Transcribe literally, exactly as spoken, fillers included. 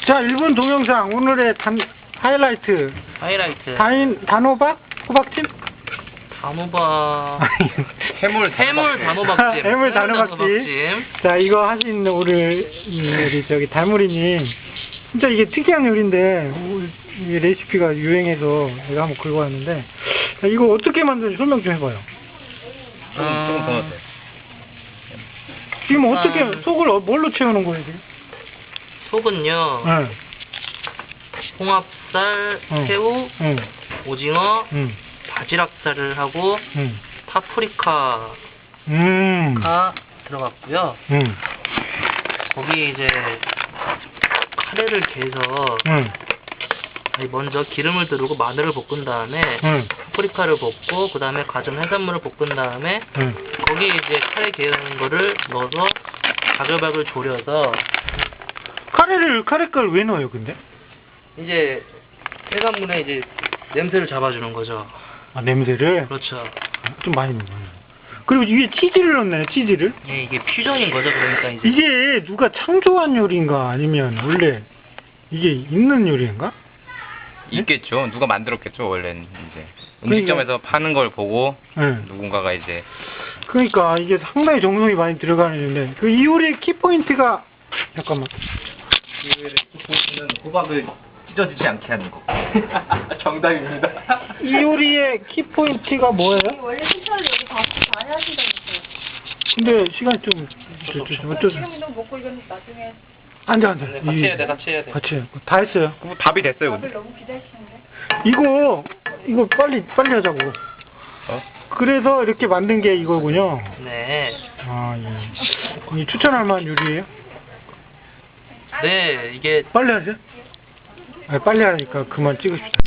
자, 일 분 동영상 오늘의 단, 하이라이트. 하이라이트. 다인, 단호박? 호박찜? 단호박. 해물 해물 단호박찜. 해물 단호박찜. 자, 이거 하시는 우리, 우리 저기 달무리님. 진짜 이게 특이한 요리인데, 이 레시피가 유행해서 내가 한번 긁어 왔는데, 자, 이거 어떻게 만드는지 설명 좀 해봐요. 조금, 조금 더 넣었어요. 지금 어떻게, 속을 어- 뭘로 채우는 거예요, 지금? 속은요. 응. 홍합살, 응. 새우, 응. 오징어, 응. 바지락살을 하고 응. 파프리카가 음. 들어갔고요. 응. 거기 이제 카레를 개서 응. 아니, 먼저 기름을 두르고 마늘을 볶은 다음에 응. 파프리카를 볶고 그 다음에 가진 해산물을 볶은 다음에 응. 거기에 이제 카레 개는 거를 넣어서 바글바글 졸여서 카레를, 카레가루 왜 넣어요, 근데? 이제 해산물에 이제 냄새를 잡아주는 거죠. 아, 냄새를? 그렇죠. 좀 많이 넣어요. 그리고 위에 치즈를 넣나요, 치즈를? 예, 이게 퓨전인 거죠. 그러니까 이제 이게 누가 창조한 요리인가? 아니면 원래 이게 있는 요리인가? 있겠죠. 누가 만들었겠죠, 원래는 이제. 그러니까- 음식점에서 파는 걸 보고 응. 누군가가 이제 그러니까 이게 상당히 정성이 많이 들어가는 요리인데, 그 이 요리의 키포인트가, 잠깐만. 보시는 호박을 찢어지지 않게 하는 거. 정답입니다. 이 요리의 키포인트가 뭐예요? 원래 식사를 여기 다 많이 하신다면서요. 근데 시간이 좀, 좀, 좀, 어쩌 지금 좀 먹고 이건 나중에 앉아, 앉아. 네, 같이 이- 해야 돼, 같이 해야 돼. 같이 해요. 다 했어요. 그럼 답이 됐어요, 밥을 근데. 너무 기다리시는데. 이거, 이거 빨리, 빨리 하자고. 어? 그래서 이렇게 만든 게 이거군요. 네. 아, 예. 이 추천할 만한 요리예요? 네, 이게 빨리 하세요. 아, 빨리 하니까 그만 찍읍시다.